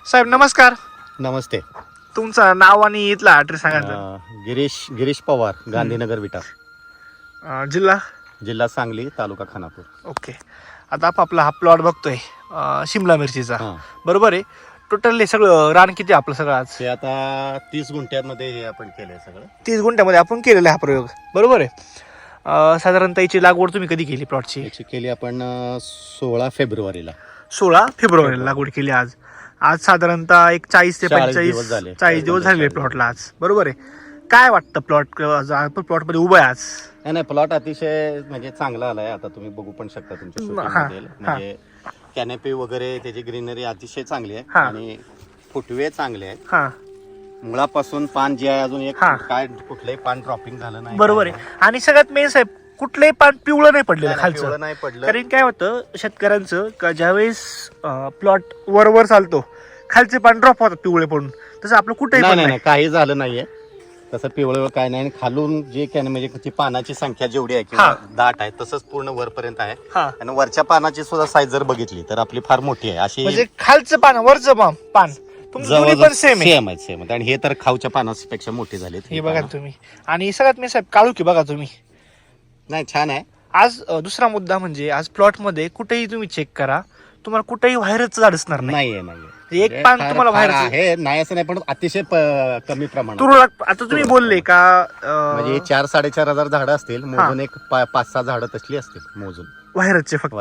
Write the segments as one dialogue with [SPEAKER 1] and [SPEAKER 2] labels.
[SPEAKER 1] साहेब नमस्कार.
[SPEAKER 2] नमस्ते.
[SPEAKER 1] तुमचं नाव आणि इथला ॲड्रेस सांगा.
[SPEAKER 2] गिरीश पवार, गांधीनगर विटा,
[SPEAKER 1] जिल्हा
[SPEAKER 2] जिल्हा सांगली, तालुका खानापूर.
[SPEAKER 1] ओके. आता आपला हा प्लॉट बघतोय शिमला मिरचीचा,
[SPEAKER 2] हां.
[SPEAKER 1] बरोबर आहे. टोटल सगळं रान किती आपलं सगळं आज?
[SPEAKER 2] ते आता 30 गुंठ्यांमध्ये हे आपण केलंय सगळं.
[SPEAKER 1] 30 गुंठ्यामध्ये आपण केलेला हा प्रयोग, बरोबर आहे. साधारणतः याची लागवड तुम्ही कधी केली प्लॉटची?
[SPEAKER 2] याची केली आपण 16 फेब्रुवारीला.
[SPEAKER 1] 16 फेब्रुवारीला लागवड केली. आज साधारणतः एक 40 ते 45
[SPEAKER 2] झाले.
[SPEAKER 1] 40 दिवस झाले प्लॉटला आज, बरोबर आहे. काय वाटतं प्लॉट मध्ये उभं आहे आज?
[SPEAKER 2] नाही, प्लॉट अतिशय म्हणजे चांगला आलाय. आता तुम्ही बघू पण शकता तुमच्या शूटिंगमध्ये. म्हणजे कॅनपी वगैरे त्याची ग्रीनरी अतिशय चांगली आहे आणि फुटवे चांगले आहेत.
[SPEAKER 1] हा,
[SPEAKER 2] मुळापासून पान जे आहे अजून एक काय कुठलंही पान ड्रॉपिंग झालं नाही,
[SPEAKER 1] बरोबर आहे. आणि सगळ्यात मेन साहेब, कुठलंही पान पिवळं नाही पडलेलं खालचं.
[SPEAKER 2] नाही पडलं.
[SPEAKER 1] कारण काय होतं शेतकऱ्यांचं का ज्यावेळेस प्लॉट वर चालतो खालचे पान ड्रॉप होतात पिवळे पडून, तसं आपलं कुठेही पण
[SPEAKER 2] नाही, काही झालं नाहीये तसं पिवळं काय नाही. खालून जे काय म्हणजे पानाची संख्या जेवढी आहे किंवा दाट आहे तसंच पूर्ण वरपर्यंत आहे. आणि वरच्या पानाची सुद्धा साईज जर बघितली तर आपली फार मोठी आहे. अशी
[SPEAKER 1] म्हणजे खालचं पान वरचं पान दोन्ही पण सेम
[SPEAKER 2] आहे. आणि हे तर खाऊच्या पानापेक्षा मोठे झाले.
[SPEAKER 1] हे बघा तुम्ही. आणि सगळ्यात मी साहेब काळुकी बघा तुम्ही.
[SPEAKER 2] नाही, छान आहे.
[SPEAKER 1] आज दुसरा मुद्दा म्हणजे आज प्लॉट मध्ये कुठेही तुम्ही चेक करा, तुम्हाला कुठेही व्हायरसचं झाड असणार नाही. एक पान तुम्हाला व्हायरस
[SPEAKER 2] आहे नाही असं नाही, पण अतिशय कमी प्रमाणात.
[SPEAKER 1] तुरळक. आता तुम्ही बोलले का
[SPEAKER 2] म्हणजे 4-4.5 हजार झाडं असतील मोजून, एक 5-6 झाडं तसली असतील मोजून
[SPEAKER 1] व्हायरसचे फक्त.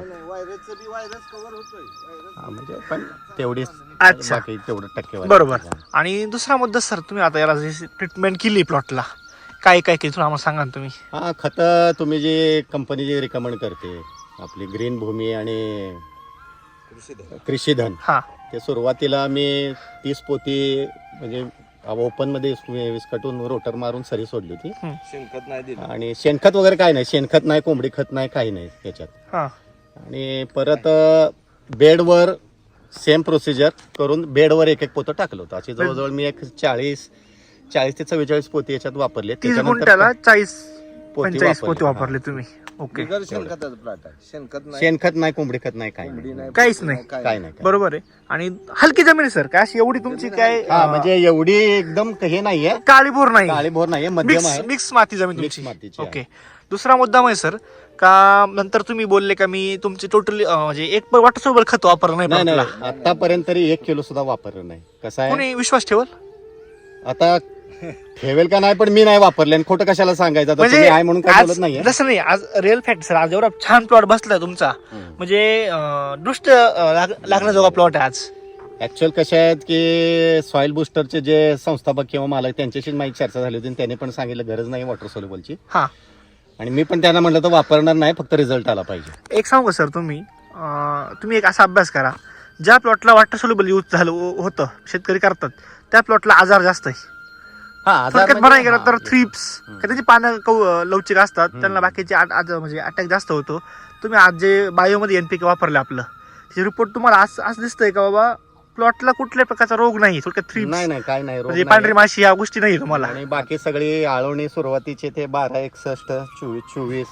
[SPEAKER 2] म्हणजे पण तेवढीच.
[SPEAKER 1] अच्छा,
[SPEAKER 2] बाकी तेवढं टक्केवारी.
[SPEAKER 1] बरोबर. आणि दुसरा मुद्दा सर, तुम्ही आता याला ट्रीटमेंट केली प्लॉटला, काय काय केली तुम्हाला सांगा ना तुम्ही.
[SPEAKER 2] हा, खत तुम्ही जी कंपनी जी रिकमेंड करते आपली ग्रीन भूमी आणि कृषीधन,
[SPEAKER 1] हा,
[SPEAKER 2] ते सुरुवातीला मी 30 पोती म्हणजे ओपन मध्ये विस्कटून रोटर मारून सरी सोडली होती.
[SPEAKER 3] शेणखत नाही दिलं
[SPEAKER 2] आणि शेणखत वगैरे काही नाही, शेणखत नाही, कोंबडी खत नाही, काही नाही त्याच्यात.
[SPEAKER 1] हा,
[SPEAKER 2] आणि परत बेडवर सेम प्रोसिजर करून बेडवर एक पोतं टाकलं होतं. अशी जवळजवळ मी एक 40 ते 44 पोती याच्यात वापरले.
[SPEAKER 1] 30 गुंठ्याला 40-45 पोते वापरले तुम्ही. ओके.
[SPEAKER 3] शेणखताचं प्लॉट आहे.
[SPEAKER 2] शेणखत नाही, कोंबडी खत नाही, काही नाही,
[SPEAKER 1] काहीच नाही.
[SPEAKER 2] काय नाही.
[SPEAKER 1] बरोबर आहे. आणि हलकी जमीन आहे सर, काय अशी एवढी तुमची काय
[SPEAKER 2] म्हणजे एवढी एकदम हे नाहीये,
[SPEAKER 1] काळीभोर नाही,
[SPEAKER 2] काळीभोर नाहीये, मध्यम आहे.
[SPEAKER 1] मिक्स माती जमीन
[SPEAKER 2] मिक्स
[SPEAKER 1] तुमची.
[SPEAKER 2] मातीची.
[SPEAKER 1] ओके. दुसरा मुद्दा म्हणजे सर, का नंतर तुम्ही बोलले का मी तुमची टोटली म्हणजे एक वाटसोबत खत वापरलं नाही
[SPEAKER 2] नाही,
[SPEAKER 1] प्लॉटला.
[SPEAKER 2] आतापर्यंत तरी 1 किलो सुद्धा वापरलं नाही. कसं आहे,
[SPEAKER 1] कोणी विश्वास ठेवल?
[SPEAKER 2] आता ठेवेल का नाही, पण मी नाही वापरले आणि खोटं कशाला सांगायचं. आता तुम्ही आहे म्हणून काय बोलत नाहीये.
[SPEAKER 1] जसं नाही, आज रिअल फॅक्ट सर, आज एवढा छान प्लॉट बसलाय तुमचा, म्हणजे दृष्ट लागण्याजोगा प्लॉट आहे आज.
[SPEAKER 2] ऍक्च्युअल कसे आहेत की सॉइल बुस्टरचे जे संस्थापक किंवा मालक त्यांच्याशी माझी चर्चा झाली होती आणि त्यांनी पण सांगितलं गरज नाही वॉटर सोल्युबलची.
[SPEAKER 1] हा,
[SPEAKER 2] आणि मी पण त्यांना म्हटलं तर वापरणार नाही, फक्त रिझल्ट आला पाहिजे.
[SPEAKER 1] एक सांगू सर, तुम्ही एक असा अभ्यास करा, ज्या प्लॉटला वॉटर सोल्युबल यूज झालं होतं, शेतकरी करतात, त्या प्लॉटला आजार जास्त आहे. थोडक्यात म्हणायला गेलं तर थ्रिप्स, त्याची पानं लवचिक असतात, त्यांना बाकीचे म्हणजे अटॅक जास्त होतो. तुम्ही आज जे बायोमध्ये NPK वापरले आपलं, त्याचे रिपोर्ट तुम्हाला आज दिसतंय का बाबा प्लॉटला कुठल्याही प्रकारचा रोग नाही, थोडक्यात थ्रिप्स
[SPEAKER 2] नाही, काय नाही, रोग
[SPEAKER 1] म्हणजे
[SPEAKER 2] नाही.
[SPEAKER 1] पांढरी माशी या गोष्टी नाही तुम्हाला.
[SPEAKER 2] आणि बाकी सगळी आळवणी सुरुवातीचे ते 12, 61, 24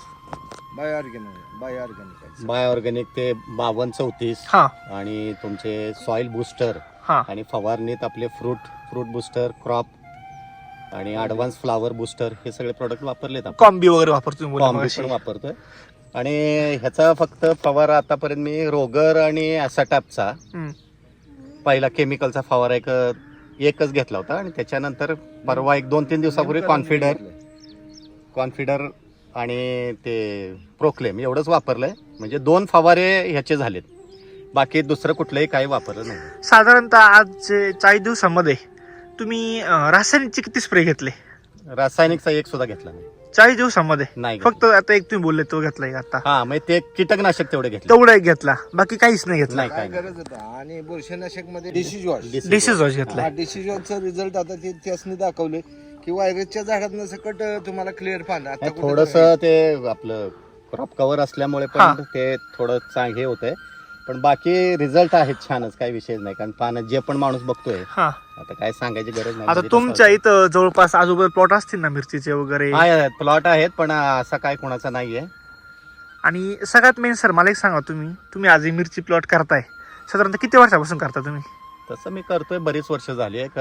[SPEAKER 2] बाय ऑर्गॅनिक ते 52, 34.
[SPEAKER 1] हा,
[SPEAKER 2] आणि तुमचे सॉइल बुस्टर
[SPEAKER 1] हा,
[SPEAKER 2] आणि फवारणीत आपले फ्रूट बुस्टर, क्रॉप आणि ऍडव्हान्स फ्लावर बुस्टर, हे सगळे प्रोडक्ट वापरलेत आपण.
[SPEAKER 1] कॉम्बी वगैरे वापरतो
[SPEAKER 2] कॉम्बी पण वापरतोय. आणि ह्याचा फक्त फवारा आतापर्यंत मी रोगर आणि ॲसाटॅपचा पहिला केमिकलचा फवारा एकच घेतला होता. आणि त्याच्यानंतर परवा 1-2-3 दिवसापूर्वी कॉन्फिडर आणि ते प्रोक्लेम एवढंच वापरलंय. म्हणजे 2 फवारे ह्याचे झालेत, बाकी दुसरं कुठलंही काही वापरलं नाही.
[SPEAKER 1] साधारणतः आज 40 दिवसामध्ये तुम्ही रासायनिकचे किती स्प्रे घेतले?
[SPEAKER 2] रासायनिकचा एक सुद्धा घेतला नाही
[SPEAKER 1] 40 दिवसामध्ये.
[SPEAKER 2] नाही,
[SPEAKER 1] फक्त आता एक तुम्ही बोलले तो घेतलाय आता.
[SPEAKER 2] हा, मग ते कीटकनाशक तेवढे घेतले,
[SPEAKER 1] तेवढा एक घेतला, बाकी काहीच नाही घेतला.
[SPEAKER 2] नाही,
[SPEAKER 3] गरज होता. आणि बुरशीनाशक मध्ये डिसीजॉर्ज
[SPEAKER 1] डिसीज घेतला.
[SPEAKER 3] डिसीजॉर्जचा रिझल्ट आता ते त्यासनी दाखवले की व्हायरसच्या झाडातनं सकट तुम्हाला क्लिअर पान. आता
[SPEAKER 2] थोडस ते आपलं क्रॉप कव्हर असल्यामुळे पण ते थोडं हे होतंय, पण बाकी रिझल्ट आहेत छानच, काही विषय नाही. कारण पानं जे पण माणूस बघतोय,
[SPEAKER 1] हा,
[SPEAKER 2] आता काय सांगायची गरज नाही.
[SPEAKER 1] आता तुमच्या इथं जवळपास आजूबाजू प्लॉट असतील ना मिरचीचे वगैरे?
[SPEAKER 2] प्लॉट आहेत, पण असा काय कोणाचा नाहीये.
[SPEAKER 1] आणि सगळ्यात मेन सर, मला एक सांगा, तुम्ही आज ही मिरची प्लॉट करताय, साधारणतः किती वर्षापासून करता तुम्ही?
[SPEAKER 2] तसं मी करतोय बरीच वर्ष झाली एक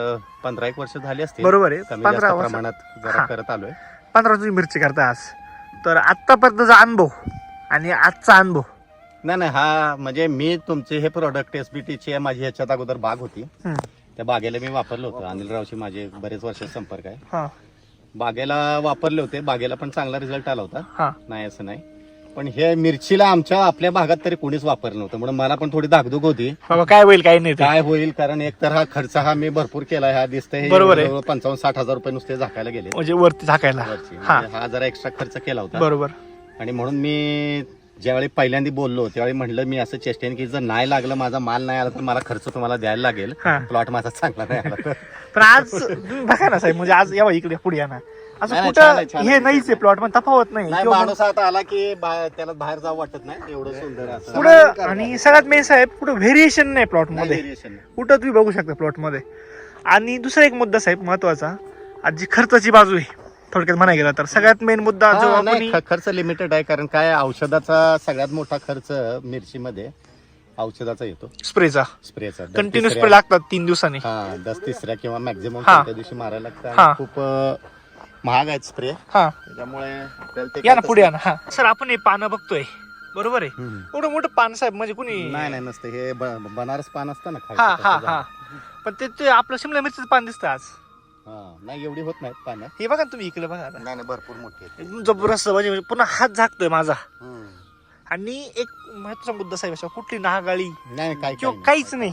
[SPEAKER 2] 15-1 वर्ष झाली असतील.
[SPEAKER 1] बरोबर आहे.
[SPEAKER 2] कमी
[SPEAKER 1] 15
[SPEAKER 2] जास्त
[SPEAKER 1] वर्ष.
[SPEAKER 2] प्रमाणात जरा
[SPEAKER 1] हा.
[SPEAKER 2] करत आलोय.
[SPEAKER 1] 15 तुम्ही मिरची करता आज. तर आत्तापर्यंतचा अनुभव आणि आजचा अनुभव.
[SPEAKER 2] नाही हा म्हणजे मी तुमचे हे प्रोडक्ट SBTची माझी ह्याच्यात अगोदर बाग होती.
[SPEAKER 1] हम्म.
[SPEAKER 2] त्या बागेला मी वापरलं होतं. अनिलरावशी माझे बरेच वर्ष संपर्क आहे.
[SPEAKER 1] हा
[SPEAKER 2] बागेला वापरले होते. बागेला पण चांगला रिझल्ट आला होता.
[SPEAKER 1] हा
[SPEAKER 2] नाही असं नाही. पण हे मिरचीला आपल्या भागात तरी कोणीच वापरलं नव्हतं म्हणून मला पण थोडी धाकधूक होती
[SPEAKER 1] बाबा काय होईल काय नाही ते.
[SPEAKER 2] काय होईल. कारण एक तर हा खर्च हा मी भरपूर केला. हा दिसतंय
[SPEAKER 1] बरोबर आहे.
[SPEAKER 2] 55-60 हजार रुपये नुसते झाकायला गेले
[SPEAKER 1] म्हणजे वरती झाकायला.
[SPEAKER 2] वरची.
[SPEAKER 1] हा
[SPEAKER 2] म्हणजे हा जरा एक्स्ट्रा खर्च केला होता.
[SPEAKER 1] बरोबर.
[SPEAKER 2] आणि म्हणून मी ज्यावेळी पहिल्यांदा बोललो त्यावेळी म्हणलं मी असं चेष्टेन की जर नाही लागलं माझा माल नाही आला तर मला खर्च तुम्हाला द्यायला लागेल.
[SPEAKER 1] हा.
[SPEAKER 2] प्लॉट माझा चांगला नाही आला तर.
[SPEAKER 1] पण आज तुम्ही बघा ना साहेब, म्हणजे आज यावं इकडे पुढे या ना, असं
[SPEAKER 2] नाही,
[SPEAKER 1] कुठं
[SPEAKER 2] छान आहे, छान
[SPEAKER 1] हे
[SPEAKER 2] आहे.
[SPEAKER 1] नाहीच आहे प्लॉट पण तफावत नाही
[SPEAKER 2] नाही
[SPEAKER 1] किंवा
[SPEAKER 2] माणूस आता आला की त्याला बाहेर जावं वाटत नाही एवढं सुंदर असं.
[SPEAKER 1] पुढं. आणि सगळ्यात मेन साहेब पुढं व्हेरिएशन नाही प्लॉट मध्ये.
[SPEAKER 2] Variation नाही.
[SPEAKER 1] कुठं तुम्ही बघू शकता प्लॉट मध्ये. आणि दुसरा एक मुद्दा साहेब महत्वाचा, आज जी खर्चाची बाजू आहे थोडक्यात म्हणाय गेला तर सगळ्यात मेन मुद्दा जो
[SPEAKER 2] हा,
[SPEAKER 1] आपण
[SPEAKER 2] नाही, खर्च लिमिटेड आहे. कारण काय औषधाचा सगळ्यात मोठा खर्च मिरचीमध्ये औषधाचा येतो.
[SPEAKER 1] स्प्रेचा
[SPEAKER 2] स्प्रेचा
[SPEAKER 1] कंटिन्यू स्प्रे लागतात 3 दिवसांनी.
[SPEAKER 2] हा 10-3 किंवा मॅक्झिमम
[SPEAKER 1] हा.
[SPEAKER 2] त्या दिवशी मारायला लागतं.
[SPEAKER 1] हा.
[SPEAKER 2] आणि खूप महाग आहेत स्प्रे.
[SPEAKER 1] हा
[SPEAKER 2] त्यामुळे आपल्याला ते
[SPEAKER 1] या ना
[SPEAKER 2] काय
[SPEAKER 1] पुढे या ना. हा सर आपण हे पानं बघतोय बरोबर आहे.
[SPEAKER 2] हम्म.
[SPEAKER 1] एवढं मोठं पान साहेब म्हणजे कुणी.
[SPEAKER 2] नाही नसतं हे बनारस पान असतं ना खायचं
[SPEAKER 1] हा हा
[SPEAKER 2] तसं
[SPEAKER 1] हा
[SPEAKER 2] झालं.
[SPEAKER 1] पण ते आपलं शिमला मिरचीचं पान दिसतं आज.
[SPEAKER 2] हा नाही एवढी होत नाहीत पानं.
[SPEAKER 1] हे बघा ना तुम्ही इकडे बघा आता.
[SPEAKER 2] नाही भरपूर मोठी आहेत.
[SPEAKER 1] एकदम जबरदस्त म्हणजे पुन्हा हात झाकतोय माझा.
[SPEAKER 2] हम्म.
[SPEAKER 1] आणि एक महत्वाचा मुद्दा साहेब असा, कुठली नागाळी
[SPEAKER 2] नाही काय
[SPEAKER 1] किंवा काहीच नाही.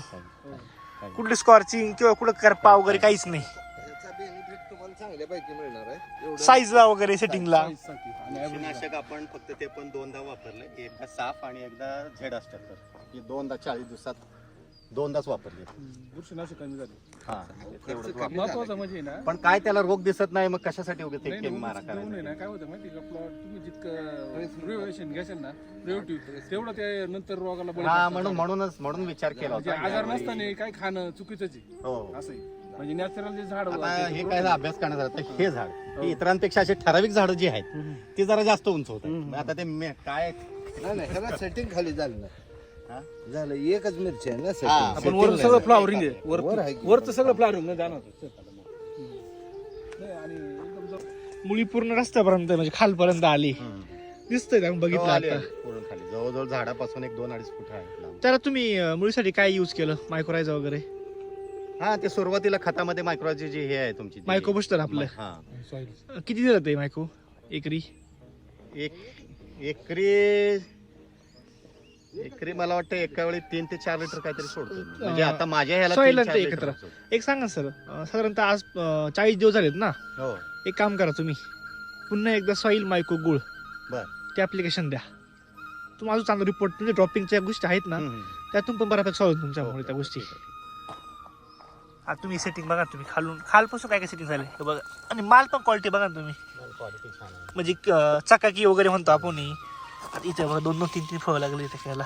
[SPEAKER 1] कुठली स्कॉर्चिंग किंवा कुठं करपा वगैरे काहीच नाही.
[SPEAKER 3] याचा बेनिफिट तुम्हाला चांगल्यापैकी मिळणार आहे. एवढं
[SPEAKER 1] साईजला वगैरे सेटिंगला.
[SPEAKER 2] बुरशीनाशक आपण फक्त ते पण 2दा वापरले. एकदा साफ आणि एकदा झेड असतात. हे 2दा 40 दिवसात 2दाच वापरले.
[SPEAKER 4] बुरशीनाशक कमी झाली.
[SPEAKER 2] हा तेवढंच वापरलं.
[SPEAKER 4] महत्वाचं म्हणजे ना
[SPEAKER 2] पण काय त्याला रोग दिसत नाही मग कशासाठी उगाच
[SPEAKER 4] नाही,
[SPEAKER 2] ते
[SPEAKER 4] नाही,
[SPEAKER 2] मारा
[SPEAKER 4] उगाच देऊ नये ना.
[SPEAKER 2] करायला.
[SPEAKER 4] काय होतं माहिती का प्लॉट तुम्ही जितकं प्रिव्हेशन घ्याल ना प्रिव्हेटिव्ह तेवढं ते नंतर रोगाला बळी
[SPEAKER 2] हा
[SPEAKER 4] पडतात.
[SPEAKER 2] म्हणून विचार केला
[SPEAKER 4] म्हणजे
[SPEAKER 2] होता.
[SPEAKER 4] आजार नसताना काय खाणं चुकीचंच आहे.
[SPEAKER 2] हो
[SPEAKER 4] असं आहे. म्हणजे नॅचरल जे झाड
[SPEAKER 2] आता हे काय अभ्यास करण्यात आला तर हे झाड हे इतरांपेक्षा असे ठराविक झाडं जी आहेत ती जरा जास्त उंच होतात. आता ते काय
[SPEAKER 3] नाही ह्याला सेटिंग खाली झालं ना.
[SPEAKER 2] हा?
[SPEAKER 3] झालं एकच मिरची आहे ना
[SPEAKER 2] हा,
[SPEAKER 3] setting.
[SPEAKER 4] आपण वर सगळं फ्लॉवरिंग आहे.
[SPEAKER 3] वर आहे की.
[SPEAKER 4] वरचं सगळं फ्लॉवरिंग जाणवतं. नाही, आणि एकदम
[SPEAKER 1] मुळी पूर्ण रस्त्यापर्यंत म्हणजे खालपर्यंत आली दिसतंय का? बघितलं आता.
[SPEAKER 2] पूर्ण खाली जवळजवळ झाडापासून 1-2-2.5 फूट आहे लांब.
[SPEAKER 1] त्याला तुम्ही मुळीसाठी काय युज केलं? मायक्रोरायझा वगैरे
[SPEAKER 2] हा ते सुरुवातीला खतामध्ये मायक्रोची जी हे आहे तुमची ती-
[SPEAKER 1] मायक्रो बुस्टर आपलं.
[SPEAKER 2] हा
[SPEAKER 4] सॉइल
[SPEAKER 1] किती दिलं ते मायक्रो एकरी?
[SPEAKER 2] एकरी मला वाटतं एका वेळी 3 ते 4 लिटर काहीतरी सोडतो. म्हणजे आता माझ्या ह्याला
[SPEAKER 1] Soil
[SPEAKER 2] 3-4
[SPEAKER 1] ते
[SPEAKER 2] लिटर
[SPEAKER 1] एकत्र.
[SPEAKER 2] सोडतो.
[SPEAKER 1] एक सांगा सर, साधारणतः आज 40 दिवस झालेत ना.
[SPEAKER 2] हो
[SPEAKER 1] एक काम करा तुम्ही, पुन्हा एकदा सॉईल मायक्रो गुळ
[SPEAKER 2] बर
[SPEAKER 1] ते ऍप्लिकेशन द्या. तुम्हाला अजून चांगला रिपोर्ट म्हणजे ड्रॉपिंगच्या गोष्टी आहेत ना त्यातून पण बऱ्यापैकी सॉल्व तुमच्यामुळे त्या गोष्टी. आता तुम्ही सेटिंग बघा, तुम्ही खालपासून काय काय सेटिंग झाले हे बघा. आणि माल पण क्वालिटी बघा ना तुम्ही,
[SPEAKER 2] क्वालिटी छान आहे.
[SPEAKER 1] म्हणजे चकाकी वगैरे म्हणतो आपण. आता इथे बघा 2-3 फळं लागली इथे खायला.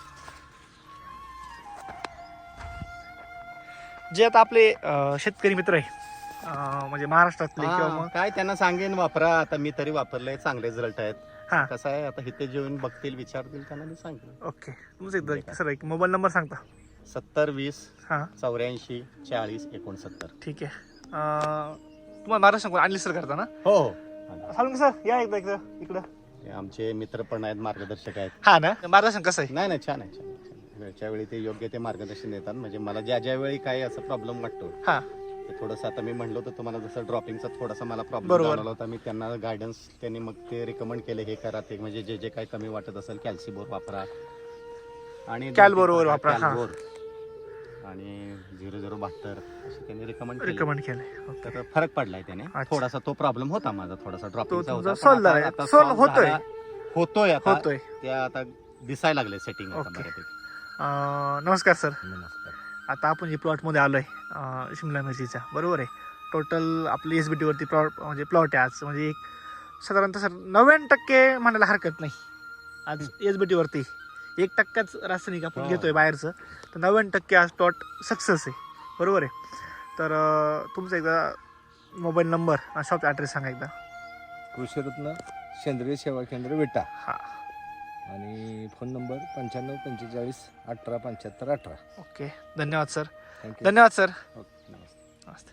[SPEAKER 1] जे आता आपले शेतकरी मित्र आहे म्हणजे महाराष्ट्रातले किंवा
[SPEAKER 2] हा,
[SPEAKER 1] मग
[SPEAKER 2] काय त्यांना सांगेन वापरा. आता मी तरी वापरलंय चांगले रिझल्ट आहेत.
[SPEAKER 1] हा
[SPEAKER 2] कसं आहे आता इथे जेवण बघतील विचारतील त्यांना मी सांगेन.
[SPEAKER 1] ओके. तुमचं एकदा सर एक मोबाईल नंबर सांगता?
[SPEAKER 2] 70-20
[SPEAKER 1] हां
[SPEAKER 2] 84-40-69.
[SPEAKER 1] ठीक आहे. तुम्हाला महाराष्ट्र आणली सर करता ना?
[SPEAKER 2] हो हो
[SPEAKER 1] सांगू सर या एकदा इकडं.
[SPEAKER 2] हे आमचे मित्र पण आहेत, मार्गदर्शक आहेत.
[SPEAKER 1] हा ना, मार्गदर्शन कसं आहे?
[SPEAKER 2] नाही छान आहे छान आहे. वेळच्या वेळी ते योग्य ते मार्गदर्शन देतात. म्हणजे मला ज्या वेळी काही असं प्रॉब्लेम वाटतो
[SPEAKER 1] हा
[SPEAKER 2] ते थोडंसं आता मी म्हणलो होतं तुम्हाला जसं ड्रॉपिंगचा थोडासा मला प्रॉब्लेम
[SPEAKER 1] बरोबर.
[SPEAKER 2] जाणवला होता. मी त्यांना गायडन्स त्यांनी मग ते रिकमेंड केले हे करा ते म्हणजे जे काही कमी वाटत असेल कॅल्सीबोर वापरा आणि
[SPEAKER 1] कॅल्बोर वापरा, हा.
[SPEAKER 2] कॅल्बोर आणि 0072 असे त्यांनी
[SPEAKER 1] रिकमेंड केलंय.
[SPEAKER 2] तर फरक पडलाय त्याने.
[SPEAKER 1] अच्छा.
[SPEAKER 2] थोडासा तो प्रॉब्लेम होता माझा थोडासा ड्रॉपिंगचा
[SPEAKER 1] तुमचा
[SPEAKER 2] होता.
[SPEAKER 1] solve झालाय. solve होतोय.
[SPEAKER 2] होतोय आता
[SPEAKER 1] होतोय.
[SPEAKER 2] त्या आता दिसायला लागले सेटिंग आता
[SPEAKER 1] ओके.
[SPEAKER 2] बऱ्यापैकी.
[SPEAKER 1] नमस्कार सर.
[SPEAKER 2] नमस्कार.
[SPEAKER 1] आता आपण जे प्लॉटमध्ये आलोय शिमला मिरचीचा बरोबर आहे. टोटल आपली SBT वरती प्लॉट म्हणजे प्लॉट आहे आज. म्हणजे एक साधारणतः सर 90% म्हणायला हरकत नाही आज SBT वरती. 1%च रासायनिक आपण
[SPEAKER 2] हो.
[SPEAKER 1] घेतोय बाहेरचं, तर 90% आज प्लॉट सक्सेस आहे बरोबर आहे. तर तुमचा एकदा मोबाईल नंबर शॉप ॲड्रेस सांगा एकदा.
[SPEAKER 3] कृषीरत्न सेंद्रिय सेवा केंद्र विटा.
[SPEAKER 1] हा
[SPEAKER 3] आणि फोन नंबर 95 45 18 75 18.
[SPEAKER 1] ओके, धन्यवाद सर.
[SPEAKER 3] थँक्यू.
[SPEAKER 1] धन्यवाद सर.